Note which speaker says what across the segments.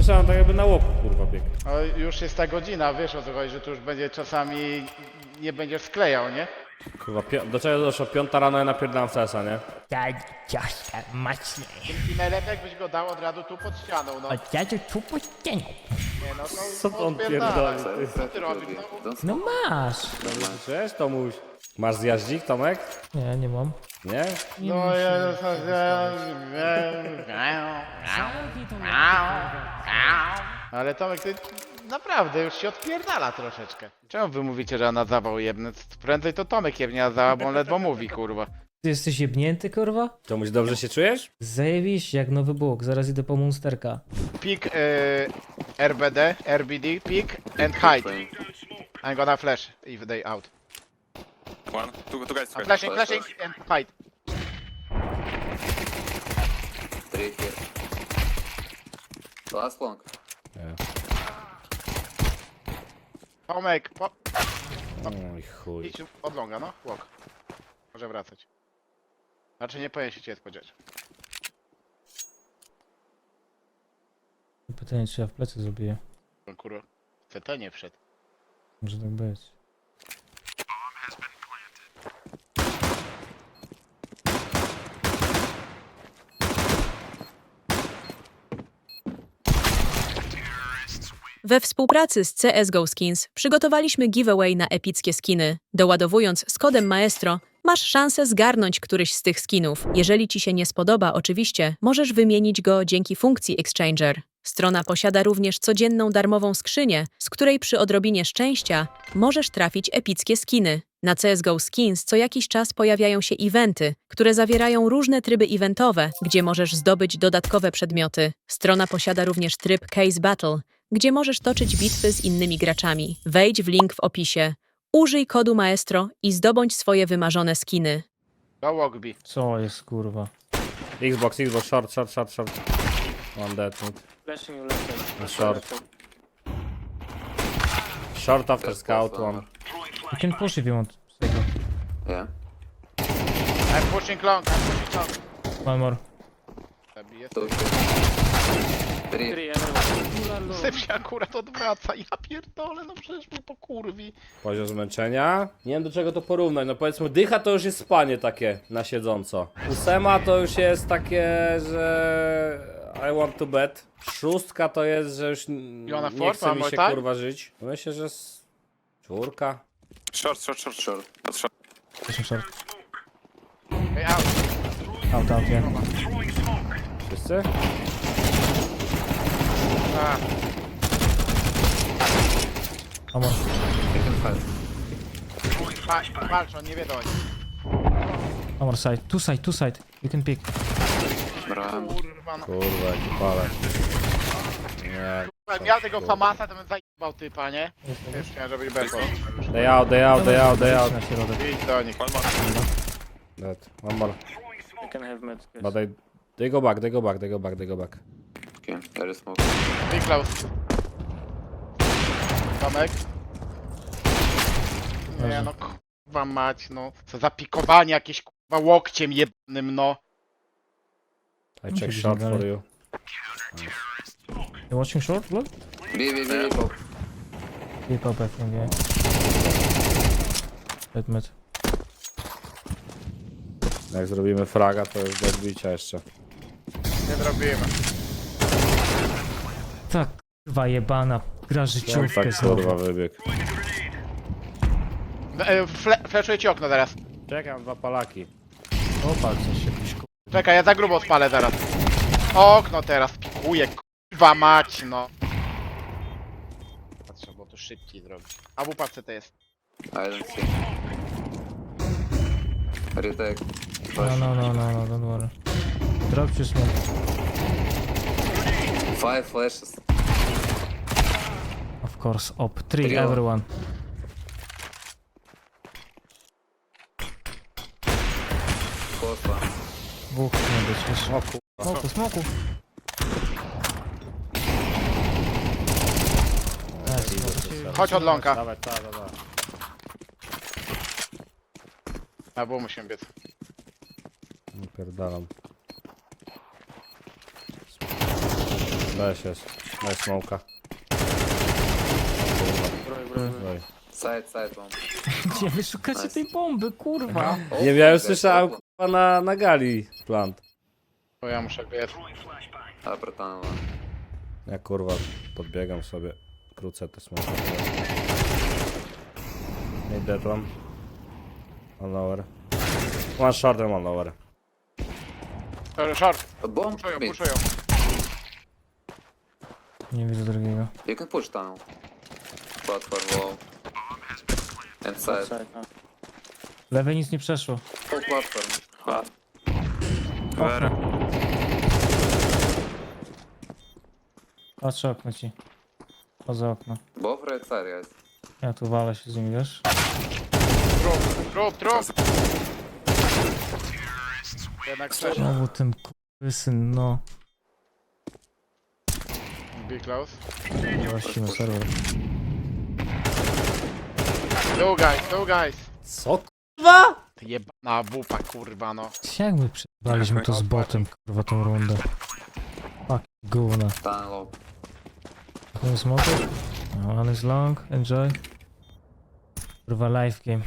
Speaker 1: słyszałem tak jakby na łoku, kurwa, bieg.
Speaker 2: No, już jest ta godzina, wiesz o co chodzi, że tu już będzie czasami nie będziesz sklejał, nie?
Speaker 1: Kurwa, do czego doszło? 5 rano ja napierdalam w CS-a, nie?
Speaker 3: Tak, ciasta mocniej.
Speaker 2: I najlepiej jakbyś go dał od razu tu pod ścianą, no.
Speaker 3: Od razu tu po ścianie.
Speaker 2: Nie, no to
Speaker 1: Co to on
Speaker 2: odpierdalaj.
Speaker 1: pierdoli?
Speaker 2: Co ty robisz? No,
Speaker 3: No masz.
Speaker 1: Cześć, Tomuś. Masz zjaździk, Tomek?
Speaker 3: Nie, nie mam.
Speaker 1: Nie?
Speaker 2: no ja... Ale Tomek, ty naprawdę już się odpierdala troszeczkę. Czemu wy mówicie, że na zawał jebnę? Prędzej to Tomek jebnie na zawał, bo on ledwo mówi, kurwa.
Speaker 3: Ty jesteś jebnięty, kurwa?
Speaker 1: Tomuś, dobrze się czujesz?
Speaker 3: Zajebiście, jak nowy Bóg. Zaraz idę po Monsterka.
Speaker 2: Pick RBD, RBD, pick and hide. I'm gonna flash if they out.
Speaker 4: One, two guys.
Speaker 2: I'm flashing and hide.
Speaker 5: Three here. Last long.
Speaker 2: Tomek,
Speaker 1: Oj chuj.
Speaker 2: idź od longa, no. Walk. Może wracać. Znaczy nie powinien się cię spodziewać.
Speaker 3: Pytanie, czy ja w plecy zrobię.
Speaker 2: Kurwa, CT nie wszedł.
Speaker 3: Może tak być.
Speaker 6: We współpracy z CSGO Skins przygotowaliśmy giveaway na epickie skiny. Doładowując z kodem Maestro, masz szansę zgarnąć któryś z tych skinów. Jeżeli ci się nie spodoba, oczywiście, możesz wymienić go dzięki funkcji Exchanger. Strona posiada również codzienną darmową skrzynię, z której przy odrobinie szczęścia możesz trafić epickie skiny. Na CSGO Skins co jakiś czas pojawiają się eventy, które zawierają różne tryby eventowe, gdzie możesz zdobyć dodatkowe przedmioty. Strona posiada również tryb Case Battle, gdzie możesz toczyć bitwy z innymi graczami. Wejdź w link w opisie. Użyj kodu Maestro i zdobądź swoje wymarzone skiny.
Speaker 2: Go walk B.
Speaker 3: Co jest, kurwa?
Speaker 1: Xbox, short. One dead mid. Short. Short after scout, one.
Speaker 3: You can push if you want. Stay go.
Speaker 5: Yeah.
Speaker 2: I'm pushing long,
Speaker 3: One more.
Speaker 2: Zabiję.
Speaker 5: Two here. Three.
Speaker 2: Syp się akurat odwraca, ja pierdolę, no przecież mnie pokurwi.
Speaker 1: Poziom zmęczenia. Nie wiem do czego to porównać, no powiedzmy dycha to już jest spanie takie na siedząco. Ósema to już jest takie, że I want to bed. Szóstka to jest, że już nie
Speaker 2: four,
Speaker 1: chce mi
Speaker 2: one
Speaker 1: się
Speaker 2: more time?
Speaker 1: kurwa żyć. Myślę, że czwórka.
Speaker 4: Short. That's short.
Speaker 3: Pushing short.
Speaker 2: Hey, out.
Speaker 3: Out, yeah.
Speaker 1: Wszyscy?
Speaker 2: A,
Speaker 3: One more.
Speaker 2: walcz, on nie wie do nich.
Speaker 3: One more side. Two side. You can pick.
Speaker 5: Ram.
Speaker 2: Kurwa, no.
Speaker 1: Kurwa, jaki palek. Nie.
Speaker 2: Jak miał tego Famasa, to bym zajebał typa, nie? Już chciałem zrobić beko.
Speaker 1: They out.
Speaker 3: Na środek.
Speaker 2: Idź do nich.
Speaker 4: One more.
Speaker 1: Dead. One more.
Speaker 7: I can have med.
Speaker 1: But they go back.
Speaker 5: Okay. There is smoke.
Speaker 2: Be close. Tomek. Nie no, kurwa mać, no. Co za pikowanie jakieś kurwa łokciem jebnym, no.
Speaker 1: I check short for you.
Speaker 3: You watching short, blood?
Speaker 5: B. Pop.
Speaker 3: Keep up, I think, yeah. Dead mid.
Speaker 1: Jak zrobimy fraga, to już do odbicia jeszcze.
Speaker 2: Nie zrobimy.
Speaker 3: Tak, kurwa jebana. Gra życiówkę
Speaker 1: Tak
Speaker 3: znowu.
Speaker 1: kurwa wybieg.
Speaker 2: Fleszuję ci okno zaraz.
Speaker 1: Czekam, 2 palaki.
Speaker 3: Opal coś jakiś
Speaker 2: Czekaj, ja za grubo odpalę zaraz. Okno teraz pikuję, kurwa mać, no. Trzeba było to szybciej zrobić. A w upadce to jest.
Speaker 5: I don't see. Retake.
Speaker 3: No, don't worry. Drop your smoke.
Speaker 5: 5 flashes.
Speaker 3: Of course, op. 3,
Speaker 5: Trio.
Speaker 3: everyone.
Speaker 5: Close one.
Speaker 3: Dwóch nie być, wiesz.
Speaker 1: O kurwa.
Speaker 3: Smoku.
Speaker 2: Chodź od longa.
Speaker 1: Dawaj.
Speaker 2: A bo musimy biec.
Speaker 1: Pierdalam. Weź jest. Daj smoka. Daj.
Speaker 5: Side bomb.
Speaker 3: Gdzie wy szukacie tej bomby, kurwa?
Speaker 1: Nie wiem, ja już słyszałem kurwa na gali plant.
Speaker 2: Bo ja muszę biec.
Speaker 5: Upper tunnel.
Speaker 1: Ja kurwa podbiegam sobie. Krócę te smoki. Nie dead one. One lower. One short and one lower.
Speaker 2: Short,
Speaker 5: A bomb
Speaker 2: puszują,
Speaker 5: mid.
Speaker 2: puszują.
Speaker 3: Nie widzę drugiego.
Speaker 5: You can push tunnel. Platform wall. And side.
Speaker 3: Lewej nic nie przeszło.
Speaker 5: Full platform.
Speaker 3: Okno. Patrzę okno ci. Poza okno.
Speaker 5: Both right side, guys.
Speaker 3: Ja tu walę się z nim, wiesz?
Speaker 2: Trup. Jednak przeszedł.
Speaker 3: Znowu ten syn, no.
Speaker 2: Be close.
Speaker 3: Właściwy serwer.
Speaker 2: Two guys.
Speaker 1: Co kurwa?
Speaker 2: Ty jebana wupa, kurwa no.
Speaker 3: Jak my przebraliśmy to z botem, kurwa, tą rundę? Fuck, gówna.
Speaker 5: Tunnel low.
Speaker 3: Ten smoker? One is long, enjoy. Kurwa, live game.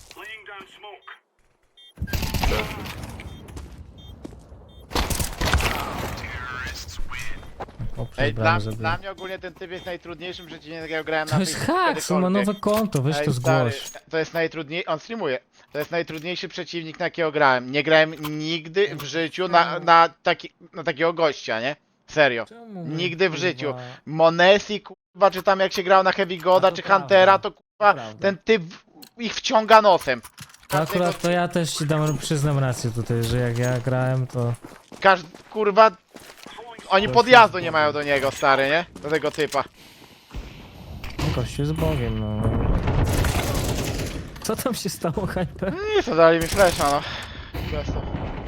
Speaker 3: O,
Speaker 2: Ej,
Speaker 3: przebrany zabiję.
Speaker 2: dla mnie ogólnie ten typ jest najtrudniejszym przeciwnikiem, jakiego grałem na
Speaker 3: To jest
Speaker 2: Facebooku
Speaker 3: hacks, on ma
Speaker 2: kiedykolwiek.
Speaker 3: nowe konto, weź
Speaker 2: Ej,
Speaker 3: to
Speaker 2: stary,
Speaker 3: zgłoś.
Speaker 2: to jest najtrudniejszy, on streamuje. To jest najtrudniejszy przeciwnik, na jakiego grałem. Nie grałem nigdy w życiu na takiego gościa, nie? Serio. Nigdy w życiu. Monesi, kurwa, czy tam jak się grał na Heavy Goda,
Speaker 3: A to
Speaker 2: czy
Speaker 3: prawda.
Speaker 2: Huntera, to kurwa,
Speaker 3: prawda.
Speaker 2: ten typ ich wciąga nosem.
Speaker 3: Akurat to ja też ci przyznam rację tutaj, że jak ja grałem, to...
Speaker 2: Kurwa, oni podjazdu nie mają do niego, stary, nie? Do tego typa.
Speaker 3: Kościół z Bogiem, no. Co tam się stało, Hyper?
Speaker 2: Nie, to dali mi flesza, no. Prosto.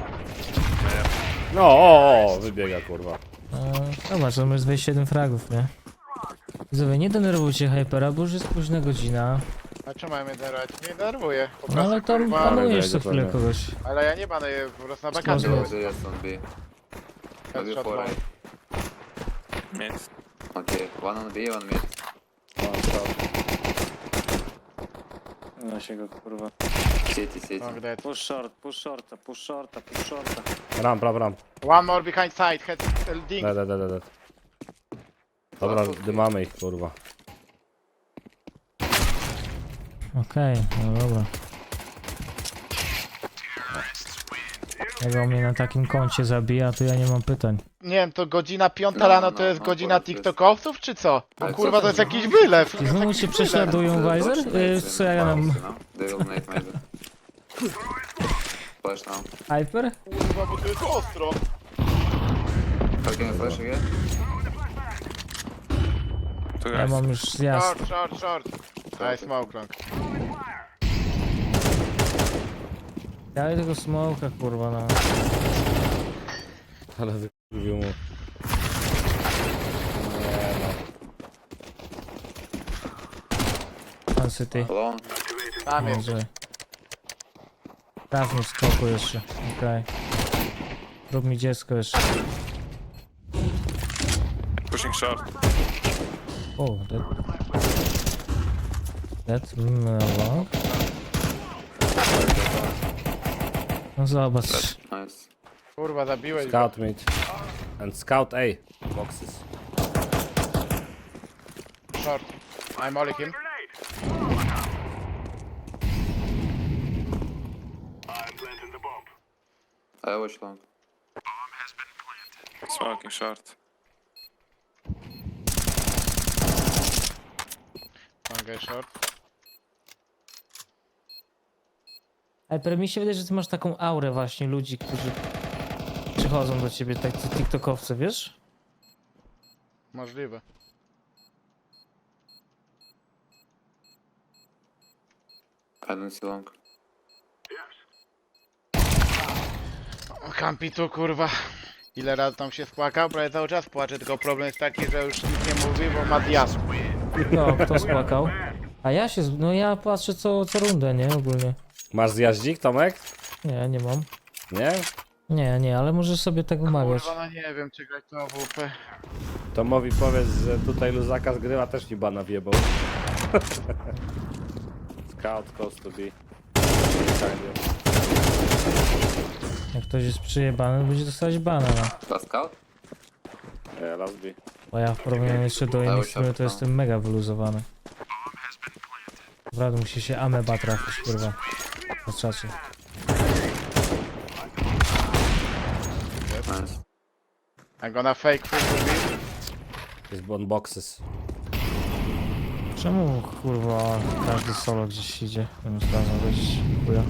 Speaker 1: No, o, wybiega kurwa.
Speaker 3: Zobacz, to masz 27 fragów, nie? Widzowie, nie denerwujcie Hypera, bo już jest późna godzina.
Speaker 2: A czemu mają mnie denerwować? Nie denerwuję. Po
Speaker 3: No
Speaker 2: prostu,
Speaker 3: ale tam
Speaker 2: kurwa,
Speaker 3: panujesz co
Speaker 1: wejdzie
Speaker 3: chwilę
Speaker 1: pewnie.
Speaker 3: kogoś.
Speaker 2: ale ja nie banuję, po prostu na
Speaker 3: Można.
Speaker 2: bakacie.
Speaker 5: Yes, on B. Maybe
Speaker 2: Headshot
Speaker 5: 4
Speaker 2: one.
Speaker 5: right.
Speaker 4: Mid.
Speaker 5: Okay, one on B, one mid.
Speaker 7: Da się go kurwa.
Speaker 5: City.
Speaker 2: Long dead.
Speaker 7: Push shorta.
Speaker 1: Ramp.
Speaker 2: One more behind side, head, ding.
Speaker 1: Dead. Dobra, dymamy ich kurwa.
Speaker 3: Okej, no dobra. Jak on mnie na takim koncie zabija, to ja nie mam pytań.
Speaker 2: Nie wiem, to godzina 5
Speaker 5: No,
Speaker 2: rano
Speaker 5: no,
Speaker 2: to jest
Speaker 5: no,
Speaker 2: godzina
Speaker 5: to jest-
Speaker 2: TikTokowców, czy co? Bo
Speaker 5: Ale co
Speaker 2: kurwa to
Speaker 5: to
Speaker 2: jest
Speaker 5: za-
Speaker 2: jakiś wylew.
Speaker 3: I znowu cię prześladują, Weiser? Co ja nam...
Speaker 5: They will nade maybe. Flash now.
Speaker 3: Hyper?
Speaker 2: Kurwa, bo to jest ostro.
Speaker 5: Fucking a flash again?
Speaker 4: Tu
Speaker 3: Ja
Speaker 4: guys.
Speaker 3: mam już zjazd.
Speaker 2: Short. Daj smoke long.
Speaker 3: Daj tego smoka, kurwa, no.
Speaker 1: Ale wykurwił mu.
Speaker 3: Man City.
Speaker 5: Long.
Speaker 2: Tam jest.
Speaker 3: Może. Traf mnie w skoku jeszcze, okej. Rób mi dziecko jeszcze.
Speaker 4: Pushing short.
Speaker 3: O, dead. Dead? No. No zobacz.
Speaker 5: Nice.
Speaker 2: Kurwa, zabiłeś go.
Speaker 1: Scout mid. And scout A. Boxes.
Speaker 2: Short. I'm ollie him.
Speaker 5: I watch long.
Speaker 4: Smoking short.
Speaker 2: One guy short.
Speaker 3: Hyper, mi się wydaje, że ty masz taką aurę właśnie ludzi, którzy przychodzą do ciebie, tak tiktokowcy, wiesz?
Speaker 2: Możliwe.
Speaker 5: I don't see long.
Speaker 2: Kampi tu, kurwa. Ile razy tam się spłakał? Prawie cały czas płacze, tylko problem jest taki, że już nic nie mówi, bo ma diasł.
Speaker 3: No, kto spłakał? A ja się, no ja patrzę co rundę, nie? Ogólnie.
Speaker 1: Masz zjaździk, Tomek?
Speaker 3: Nie mam.
Speaker 1: Nie?
Speaker 3: Nie, ale możesz sobie tak umawiać.
Speaker 2: Kurwa, no nie wiem, czy grać to AWP.
Speaker 1: Tomowi powiedz, że tutaj luzaka zgrywa też mi bana wjebał. Scout close to be.
Speaker 3: Jak ktoś jest przyjebany, będzie dostawać bana, no.
Speaker 5: Last scout?
Speaker 1: Yeah, last B.
Speaker 3: Bo ja w porównaniu jeszcze do innych
Speaker 5: już
Speaker 3: streamerów to
Speaker 5: tam.
Speaker 3: jestem mega wyluzowany. Naprawdę musi się ameba trafić, kurwa. Na czacie.
Speaker 5: Nice.
Speaker 2: I'm gonna fake free to be.
Speaker 1: Jest on boxes.
Speaker 3: Czemu, kurwa, każdy solo gdzieś idzie? Zamiast razem wyjść, chuja.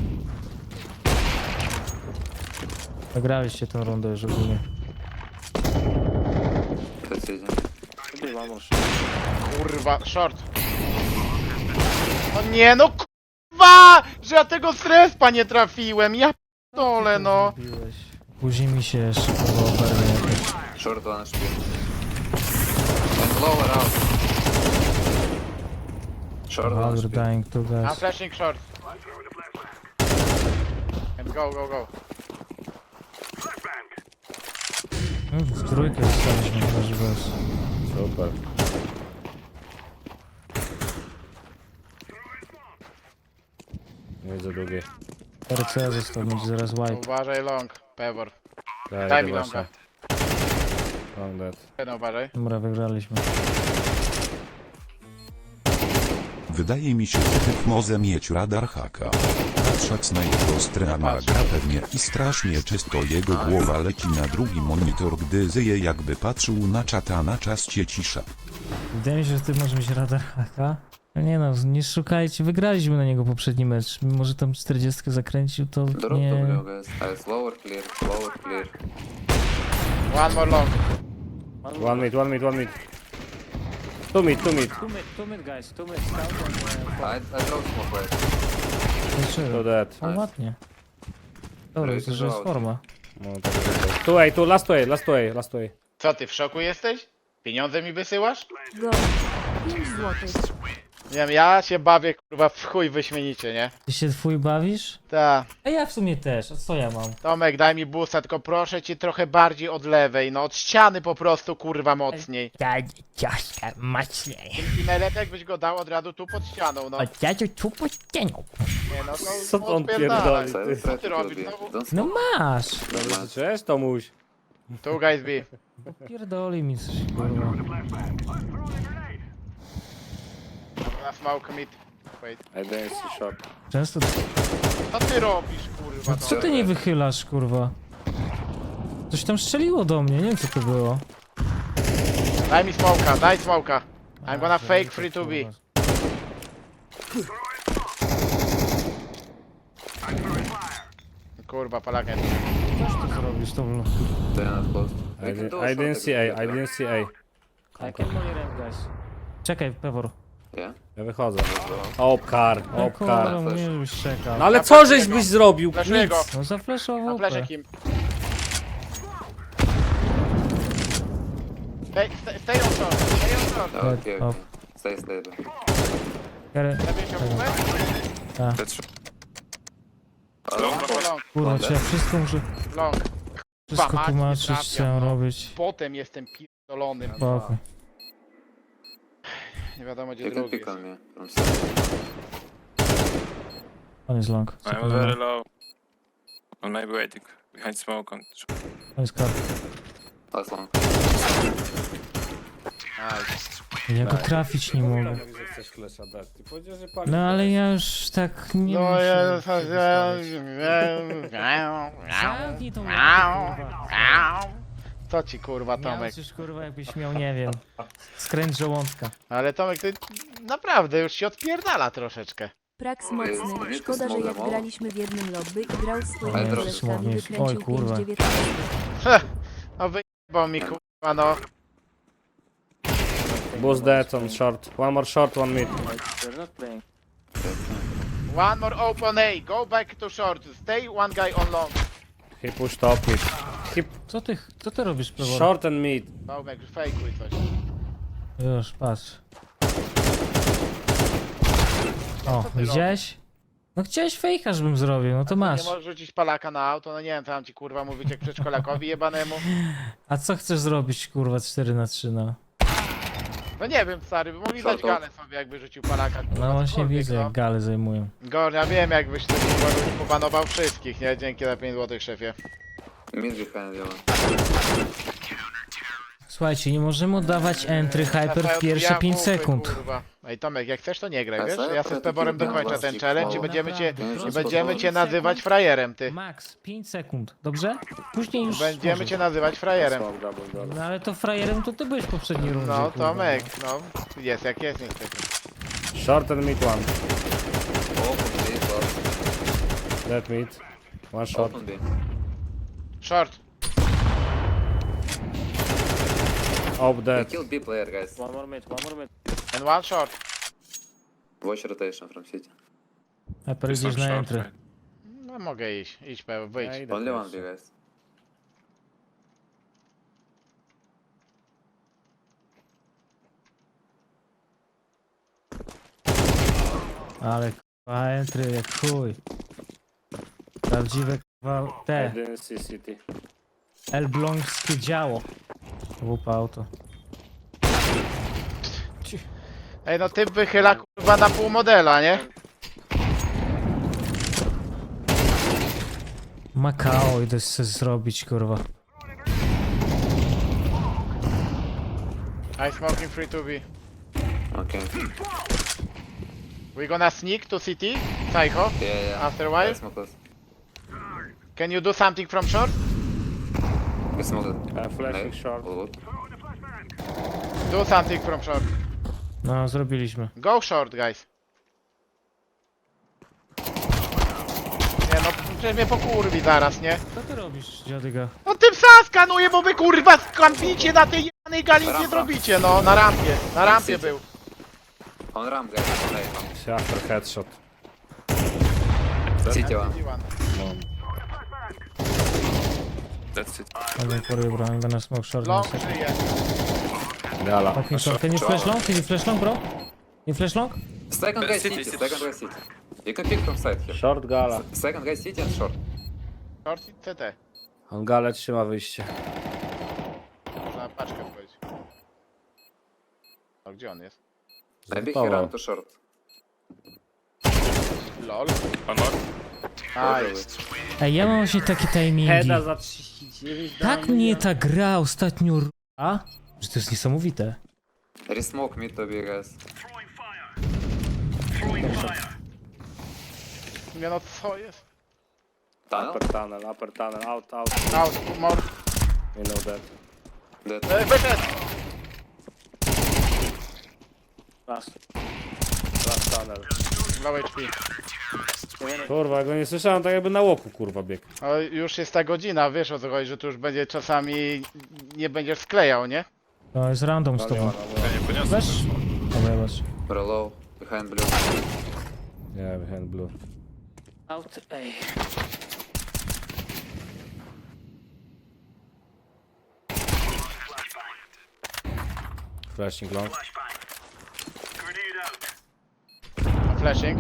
Speaker 3: Wygraliście tę rundę już ogólnie.
Speaker 5: Precision.
Speaker 7: Chyba może.
Speaker 2: Kurwa, short. No nie, no kurwa! Że ja tego strespa nie trafiłem, ja dole no.
Speaker 3: Zrobiłeś. Później mi się jeszcze kurwa oberwie jakoś.
Speaker 5: Short one HP. And lower out. Short one
Speaker 3: Valor
Speaker 5: HP.
Speaker 3: dying two
Speaker 2: I'm
Speaker 3: guys.
Speaker 2: flashing short. And go, go, go.
Speaker 3: W trójkę zostaliśmy chyba, że bez.
Speaker 1: Super. Nie widzę drugiej.
Speaker 3: RC został, będzie zaraz white.
Speaker 2: Uważaj long, Pevor.
Speaker 1: Daj,
Speaker 2: Daj mi
Speaker 1: idę
Speaker 2: longa.
Speaker 1: właśnie. Long dead.
Speaker 2: No, uważaj.
Speaker 3: Dobra, wygraliśmy.
Speaker 8: Wydaje mi się, że typ może mieć radar haka. Patrząc na jego streama gra pewnie i strasznie czysto jego głowa leci na drugi monitor, gdy zyje, jakby patrzył na czata, na czas cię cisza.
Speaker 3: Wydaje mi się, że ty może mieć radar haka. No nie no, nie szukajcie, wygraliśmy na niego poprzedni mecz. Mimo, że tam 40 zakręcił, to
Speaker 5: Drop
Speaker 3: nie...
Speaker 5: W guys. Nice. Lower clear. Lower clear.
Speaker 2: One more long.
Speaker 1: One mid, one mid, one mid. Two mid, two mid.
Speaker 7: Two mid guys, two mid scout and
Speaker 5: I drop smoke right.
Speaker 1: Two dead.
Speaker 3: O, ładnie. Dobra, to że jest forma.
Speaker 1: No, tak jest. Two A, two, last way, last way, last way.
Speaker 2: Co ty, w szoku jesteś? Pieniądze mi wysyłasz?
Speaker 9: Go. 5 złotych.
Speaker 2: Nie wiem, ja się bawię kurwa w chuj wyśmienicie, nie?
Speaker 3: Ty się twój bawisz?
Speaker 2: Ta.
Speaker 3: A ja w sumie też, a co ja mam?
Speaker 2: Tomek, daj mi busta, tylko proszę cię trochę bardziej od lewej, no od ściany po prostu kurwa mocniej.
Speaker 3: Ciaśka, mocniej.
Speaker 2: I najlepiej jakbyś go dał od razu tu pod ścianą, no.
Speaker 3: Ja cię tu pościenią.
Speaker 2: Nie no,
Speaker 1: Co
Speaker 2: to
Speaker 1: to on
Speaker 2: odpierdalaj.
Speaker 1: pierdoli?
Speaker 5: Side
Speaker 2: ty robisz znowu?
Speaker 5: Don't
Speaker 3: No
Speaker 5: smoke.
Speaker 3: masz!
Speaker 1: Dobrze, cześć Tomuś.
Speaker 2: Two guys B.
Speaker 3: Pierdoli mi coś, kurwa.
Speaker 2: Na smoke mid. Wait.
Speaker 1: I didn't see shot.
Speaker 3: Często...
Speaker 2: Co ty robisz kurwa?
Speaker 3: Co ty nie wychylasz, kurwa? Coś tam strzeliło do mnie, nie wiem co to było.
Speaker 2: Daj mi smoka, daj smoka. I'm gonna fake free to be. Kurwa, palakiem.
Speaker 3: Co ty zrobisz, to było?
Speaker 5: They're not close.
Speaker 1: I didn't see A, I didn't see A.
Speaker 7: I can money ramp guys.
Speaker 3: Czekaj, Pewor.
Speaker 5: Yeah.
Speaker 1: Ja wychodzę. Opkar,
Speaker 3: No
Speaker 1: opkar.
Speaker 3: kurwa, mnie już czekał.
Speaker 1: No ale co żeś byś zrobił?
Speaker 2: Flashuję go.
Speaker 3: No zafleszował
Speaker 2: Na
Speaker 3: OP.
Speaker 2: flesze kim. Stay on short, stay on short.
Speaker 5: Okay,
Speaker 3: Off.
Speaker 5: okay. Stay stable.
Speaker 3: Kary-
Speaker 2: Lepiej się umę?
Speaker 4: That's
Speaker 5: Long.
Speaker 2: Long,
Speaker 3: Kurwa, czy ja wszystko muszę...
Speaker 2: long.
Speaker 3: Wszystko
Speaker 2: mać, nie
Speaker 3: tłumaczyć, co
Speaker 2: trafiam,
Speaker 3: mam
Speaker 2: no.
Speaker 3: robić.
Speaker 2: Potem jestem pierdolonym.
Speaker 3: Spokój.
Speaker 2: Nie wiadomo gdzie
Speaker 5: You can
Speaker 2: drugi
Speaker 5: pick
Speaker 2: jest.
Speaker 5: on me from side.
Speaker 3: On jest long.
Speaker 4: I'm very low. Well, maybe waiting behind smoke on.
Speaker 3: On jest kar.
Speaker 5: Last long.
Speaker 3: Ja go trafić nie mogę.
Speaker 1: Mówi, że chcesz flesza dać. Ty powiedziałeś, że pali.
Speaker 3: No ale ja już tak nie
Speaker 2: No
Speaker 3: muszę
Speaker 2: ja...
Speaker 3: się wystawiać. Zamknij tą łapę, kurwa.
Speaker 2: Co ci kurwa Tomek?
Speaker 3: Miałeś już kurwa jakbyś miał, nie wiem, skręt żołądka.
Speaker 2: Ale Tomek, ty naprawdę już się odpierdala troszeczkę.
Speaker 9: Praks mocny. Szkoda, że jak graliśmy w jednym lobby i grał z swoimi
Speaker 5: Ale
Speaker 9: koleżkami,
Speaker 3: słownie.
Speaker 9: wykręcił
Speaker 3: Oj, kurwa.
Speaker 9: 5,19.
Speaker 2: No wyjebał mi kurwa no.
Speaker 1: Boost dead on short. One more short, one mid.
Speaker 7: They're not playing.
Speaker 2: One more open A, go back to short, stay one guy on long.
Speaker 1: He pushed top mid. He
Speaker 3: Co ty robisz, Pewor?
Speaker 1: short and mid.
Speaker 2: Tomek, fejkuj coś.
Speaker 3: Już, patrz. O, widziałeś? No chciałeś fejka, żebym zrobił, no to
Speaker 2: Nie
Speaker 3: masz.
Speaker 2: możesz rzucić palaka na auto, no nie wiem, co mam ci kurwa mówić jak przedszkolakowi jebanemu.
Speaker 3: A co chcesz zrobić, kurwa, 4-3, no?
Speaker 2: No nie wiem, stary, by mogli dać
Speaker 5: Short
Speaker 2: galę sobie jakby rzucił palaka. Kurwa,
Speaker 3: No właśnie
Speaker 2: cokolwiek,
Speaker 3: widzę,
Speaker 2: no.
Speaker 3: jak gale zajmują.
Speaker 2: Gor, ja wiem jakbyś ty kurwa pobanował wszystkich, nie? Dzięki za 5 zł, szefie.
Speaker 5: Mid behind you.
Speaker 3: Słuchajcie, nie możemy oddawać entry hyper w pierwsze 5 sekund.
Speaker 2: Kurwa. Ej Tomek, jak chcesz to nie graj,
Speaker 5: A
Speaker 2: wiesz?
Speaker 5: co?
Speaker 2: Ja sobie z Peborem dokończę ten challenge i będziemy cię,
Speaker 3: Naprawdę,
Speaker 2: i
Speaker 3: proszę.
Speaker 2: będziemy cię nazywać frajerem, ty.
Speaker 3: Max, 5 sekund, dobrze? Później już
Speaker 2: Będziemy
Speaker 3: możesz.
Speaker 2: cię nazywać frajerem.
Speaker 3: No ale to frajerem to ty byłeś w poprzedniej rundzie.
Speaker 2: No
Speaker 3: kurwa.
Speaker 2: Tomek, no. Jest jak jest niestety.
Speaker 1: Short and mid one.
Speaker 5: Open B, short.
Speaker 1: Dead mid. One short.
Speaker 5: Open B.
Speaker 2: Short.
Speaker 1: Op
Speaker 5: They
Speaker 1: dead.
Speaker 5: killed B player, guys.
Speaker 7: One more mid, one more mid.
Speaker 2: And one short.
Speaker 5: Watch rotation from city.
Speaker 3: Hyper
Speaker 4: There's
Speaker 3: idziesz
Speaker 4: some
Speaker 3: na
Speaker 4: short,
Speaker 3: entry.
Speaker 4: right?
Speaker 2: No mogę iść, idź Pewo, wyjdź.
Speaker 1: Ja idę
Speaker 5: Only one
Speaker 1: pierwszy.
Speaker 5: B, guys.
Speaker 3: Ale kurwa entry jak chuj. Prawdziwe kurwa te elbląskie działo. WP auto.
Speaker 2: Ej no typ wychyla kurwa na pół modela, nie?
Speaker 3: Makao idę sobie zrobić kurwa.
Speaker 2: I smoking free to be.
Speaker 5: Okay.
Speaker 2: We gonna sneak to city, Psycho,
Speaker 5: Yeah, yeah.
Speaker 2: after a while.
Speaker 5: I smoke close.
Speaker 2: Can you do something from short?
Speaker 5: We smoke it.
Speaker 1: Flashing
Speaker 5: No.
Speaker 1: short.
Speaker 5: All good.
Speaker 2: Do something from short.
Speaker 3: No zrobiliśmy.
Speaker 2: Go short, guys. Nie no, przecież mnie pokurwi zaraz, nie?
Speaker 3: Co ty robisz, dziadyga?
Speaker 2: No tym psa skanuję, bo wy kurwa skampicie na tej jebanej gali nic nie zrobicie, no. Na rampie był.
Speaker 5: On ramp, guys. Hey.
Speaker 1: After headshot.
Speaker 5: City one.
Speaker 4: That's it.
Speaker 3: I'm for you bro, I'm gonna smoke short.
Speaker 2: Long
Speaker 3: in a second.
Speaker 2: żyje.
Speaker 1: Gala.
Speaker 3: Fucking short. Can you flash long? Can you flash long bro? You flash long?
Speaker 5: Second guy
Speaker 4: City,
Speaker 5: city.
Speaker 4: city.
Speaker 5: Second guy city. You can pick from side here.
Speaker 1: Short gala.
Speaker 5: Second guy city and short.
Speaker 2: Short i CT.
Speaker 1: On galę trzyma wyjście.
Speaker 2: Można paczkę powiedzieć. O, gdzie on jest?
Speaker 5: Maybe he
Speaker 1: Power.
Speaker 5: ran to short.
Speaker 2: LOL.
Speaker 4: One more.
Speaker 2: Nice.
Speaker 3: Ej, ja mam właśnie takie timingi.
Speaker 1: Heada za 39.
Speaker 3: Tak mnie ta gra ostatnio r***a, że to jest niesamowite.
Speaker 5: Resmoke mid to be, guys.
Speaker 2: Nie no, co jest?
Speaker 5: Tunnel?
Speaker 1: Upper tunnel, out, out.
Speaker 2: Out, more.
Speaker 1: You know that.
Speaker 5: Dead.
Speaker 2: Wyszedł!
Speaker 7: Last.
Speaker 1: Last tunnel.
Speaker 2: Low HP.
Speaker 1: Kurwa, ja go nie słyszałem, tak jakby na łoku kurwa bieg.
Speaker 2: No już jest ta godzina, wiesz o co chodzi, że tu już będzie czasami nie będziesz sklejał, nie?
Speaker 3: To jest random z tobą.
Speaker 4: Ja nie poniosłem.
Speaker 3: Weź? Dobra, weź.
Speaker 5: We're low. Behind blue.
Speaker 1: Nie, behind blue.
Speaker 7: Out A.
Speaker 1: Flashing long.
Speaker 2: Flashing.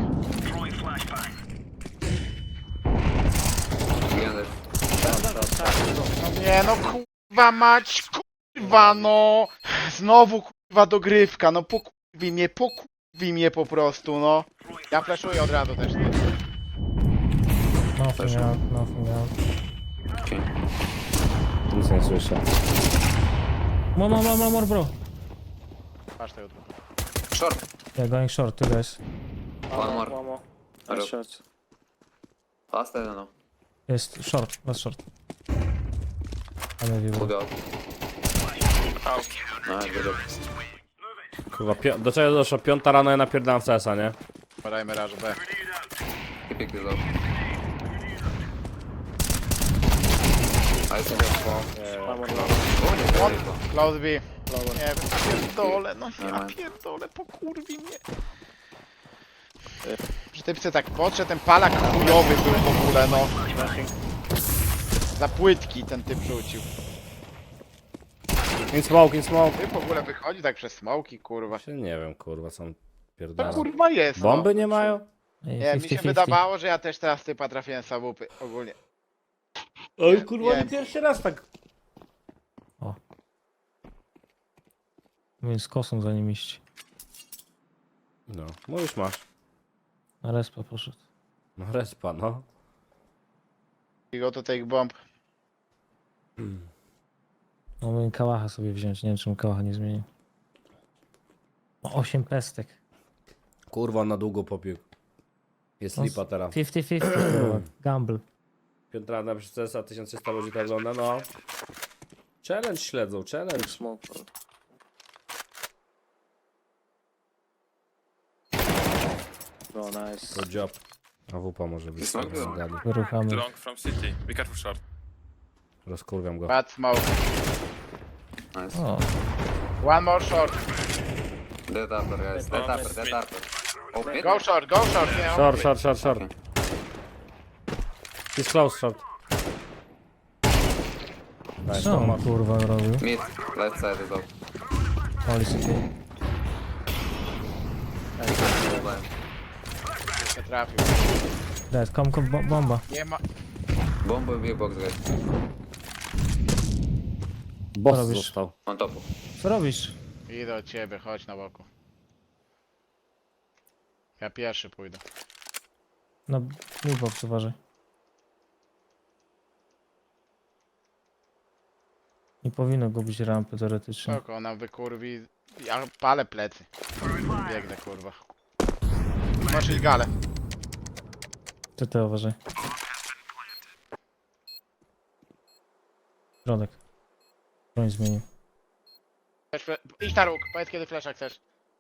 Speaker 5: Behind it.
Speaker 2: No nie no kurwa mać, kurwa no! Znowu kurwa dogrywka, no pokurwi mnie po prostu, no. Ja flashuję od razu też, nie?
Speaker 3: Nothing out, nothing out.
Speaker 5: Okay.
Speaker 1: Nic nie słyszę.
Speaker 3: More bro.
Speaker 2: Patrz tego tu.
Speaker 5: Short.
Speaker 3: Yeah, going short, two guys.
Speaker 5: One more.
Speaker 7: One more.
Speaker 5: Hello.
Speaker 7: Nice shot.
Speaker 5: Last, I don't know.
Speaker 3: Jest short, last short. I maybe
Speaker 5: We'll
Speaker 3: bro.
Speaker 5: go out. Nice, good job.
Speaker 1: Kurwa, do czego doszło? 5 rano ja napierdalam w CS-a, nie?
Speaker 2: Podajmy raż B.
Speaker 5: He picked this up. I see that bomb.
Speaker 7: One more low.
Speaker 2: One. Close B. Nie wiem, pierdolę, no ja
Speaker 5: Dawaj.
Speaker 2: pierdolę, pokurwi mnie. Że typce tak podszedł, ten palak chujowy był w ogóle, no. Za płytki ten typ rzucił.
Speaker 1: In smoke, in smoke.
Speaker 2: Typ w ogóle wychodzi tak przez smoki, kurwa.
Speaker 1: Się nie wiem, kurwa, co on
Speaker 2: To
Speaker 1: pierdala.
Speaker 2: kurwa jest,
Speaker 1: Bomby nie mają?
Speaker 2: Nie, mi się
Speaker 3: 50-50.
Speaker 2: wydawało, że ja też teraz typa trafiłem z AWP ogólnie.
Speaker 1: Oj kurwa,
Speaker 2: Nie.
Speaker 1: nie pierwszy raz tak.
Speaker 3: Więc z kosą za nim iść.
Speaker 1: No, mówisz masz.
Speaker 3: Na respa poszedł.
Speaker 1: No respa, no.
Speaker 2: I go to take bomb.
Speaker 3: No mógł kałacha sobie wziąć, nie wiem czemu kałacha nie zmienił. O, 8 pestek.
Speaker 1: Kurwa, na długo popił. Jest
Speaker 3: No,
Speaker 1: lipa teraz.
Speaker 3: 50-50 kurwa, gamble.
Speaker 1: Piętrana przez CSA 1300 ludzi to ogląda, no. Challenge śledzą, challenge.
Speaker 7: Smoke. Oh, nice.
Speaker 1: Good job. AWP może być.
Speaker 5: It's not good.
Speaker 1: Zgadli.
Speaker 3: Wyruchamy.
Speaker 4: Long from city. Be careful short.
Speaker 1: Rozkurwiam go.
Speaker 2: Bad smoke.
Speaker 5: Nice.
Speaker 3: O,
Speaker 2: One more short.
Speaker 5: Dead upper, guys. Dead
Speaker 4: Oh,
Speaker 5: upper, dead
Speaker 4: mid.
Speaker 5: upper. Oh, mid?
Speaker 2: Go short, go short. Nie,
Speaker 1: Short, short, short, short.
Speaker 5: Okay.
Speaker 1: He's close, short. Nice,
Speaker 3: co
Speaker 1: no
Speaker 3: on
Speaker 1: ma.
Speaker 3: kurwa robił?
Speaker 5: Mid. Left side is up.
Speaker 3: Oli sobie.
Speaker 2: Nie trafił.
Speaker 3: Dead, kom, bomba.
Speaker 2: Nie ma...
Speaker 5: Bomb will be box, guys.
Speaker 1: Boss
Speaker 3: robisz?
Speaker 1: został.
Speaker 5: On top.
Speaker 3: Co robisz?
Speaker 2: Idę od ciebie, chodź na boku. Ja pierwszy pójdę.
Speaker 3: Na box uważaj. Nie powinno go być rampy teoretycznie.
Speaker 2: Spoko, ona wykurwi... Ja palę plecy. Biegnę, kurwa. Masz iść galę.
Speaker 3: CT uważaj. Środek. Broń zmienił.
Speaker 2: Idź na róg, powiedz kiedy flesza chcesz.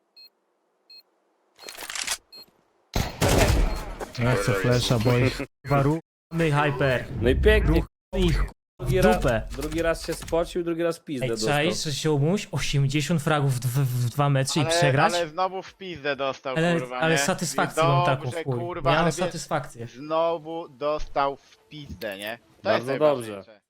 Speaker 3: Nie chcę flesza, bo ich warunny hyper.
Speaker 1: No i pięknie.
Speaker 3: Ich dupę.
Speaker 1: Drugi raz się spocił, drugi raz pizdę
Speaker 3: Ej,
Speaker 1: dostał.
Speaker 3: czaisz, że się umuś 80 fragów w 2 mecze i przegrać?
Speaker 2: Ale znowu w pizdę dostał,
Speaker 3: Ale,
Speaker 2: kurwa,
Speaker 3: ale
Speaker 2: nie?
Speaker 3: satysfakcję
Speaker 2: I
Speaker 3: mam taką
Speaker 2: dobrze,
Speaker 3: w chuj.
Speaker 2: kurwa,
Speaker 3: Ja
Speaker 2: ale
Speaker 3: mam
Speaker 2: wiesz,
Speaker 3: satysfakcję.
Speaker 2: znowu dostał w pizdę, nie? To
Speaker 1: Bardzo
Speaker 2: jest
Speaker 1: dobrze.
Speaker 2: najważniejsze.